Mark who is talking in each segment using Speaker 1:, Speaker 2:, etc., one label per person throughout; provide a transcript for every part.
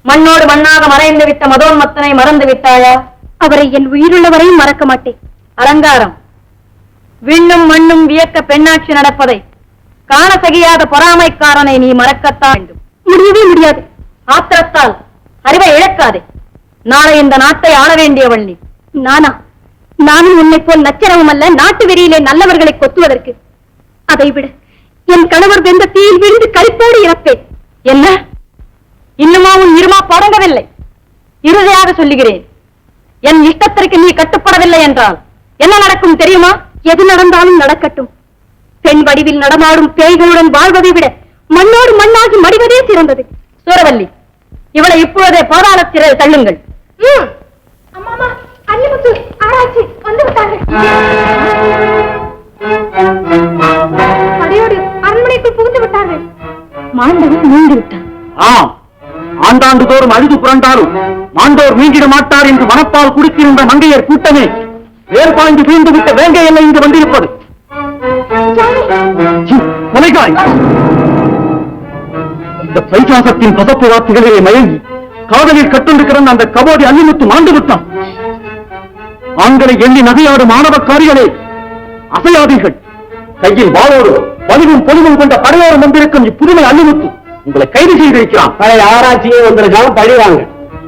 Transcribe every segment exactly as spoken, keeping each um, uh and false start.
Speaker 1: மண்ணோடு மண்ணாக மறைந்து விட்ட மதோன்மத்தனை மறந்து விட்டாயா?
Speaker 2: அவரை என் உயிருள்ளவரையும் மறக்க மாட்டேன்.
Speaker 1: அலங்காரம், விண்ணும் மண்ணும் வியக்க பெண்ணாட்சி நடப்பதை காண சகியாத பொறாமைக்காரனை நீ மறக்கத்தான் வேண்டும்.
Speaker 2: முடியவே முடியாது.
Speaker 1: ஆத்திரத்தால் அறிவை இழக்காதே. நாளை இந்த நாட்டை ஆள வேண்டியவள் நீ.
Speaker 2: நானா? நானும் உன்னை போல் நச்சரவும் அல்ல, நாட்டு வெறியிலே நல்லவர்களை கொத்துவதற்கு. அதை விட என் கணவர் வெந்த தீயில் விழுந்து கரிப்போடு இறப்பேன்.
Speaker 1: என்ன, இன்னுமா உன் இருமா படங்கவில்லை? இறுதியாக சொல்லுகிறேன், என் இஷ்டத்திற்கு நீ கட்டுப்படவில்லை என்றால் என்ன நடக்கும் தெரியுமா?
Speaker 2: எது நடந்தாலும் நடக்கட்டும். பெண் வடிவில் நடமாடும் பேய்களுடன் வாழ்வதை விட மண்ணோடு மண்ணாகி மடிவதே சிறந்தது.
Speaker 1: சூரவல்லி, இவளை இப்பொழுதே பாதாள சிறையில் தள்ளுங்கள்.
Speaker 2: அரண்மனைக்குள் புகுந்து விட்டார்கள். மாண்டவன் மீண்டு விட்டான்.
Speaker 3: ஆம், ஆண்டாண்டு தோறும் அழுது புரண்டாலும் மாண்டோர் மீண்டிட மாட்டார் என்று மனப்பால் குடித்திருந்த மங்கையர் கூட்டமே வேர்பாய்ந்து வீழ்ந்து விட்ட வேங்கை எல்லை இங்கு வந்திருப்பது. கொலைகாய், இந்த பைசாசத்தின் பசப்பு வார்த்தைகளிலே மயங்கி காதலில் கட்டுண்டு கிடந்த அந்த கபோடி அள்ளிமுத்து மாண்டு விட்டான். ஆண்களை எண்ணி நகையாடும் மாணவக்காரிகளே, அசையாதீர்கள். கையில் வாளோடு வலிவும் பொலிவும் கொண்ட படையோடு வந்திருக்கும் இப்புதுமை அள்ளிமுத்து உங்களை கைது செய்திருக்கிறான். பழைய ஆராய்ச்சியை வந்திருக்காங்க, பழிவாங்க.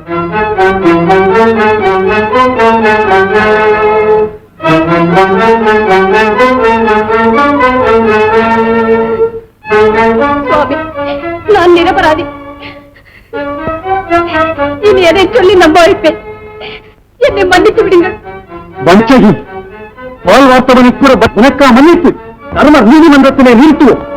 Speaker 2: சுவாமி, நான் நிரபராதி. இனி எதை சொல்லி நம்ப வைப்பேன்? என்னை மன்னித்து விடுங்கள்.
Speaker 3: வஞ்சகி, பால் வார்த்தவனை கூட உனக்கா மன்னித்து தர்மர் நீதிமன்றத்திலே நிறுத்துவோம்.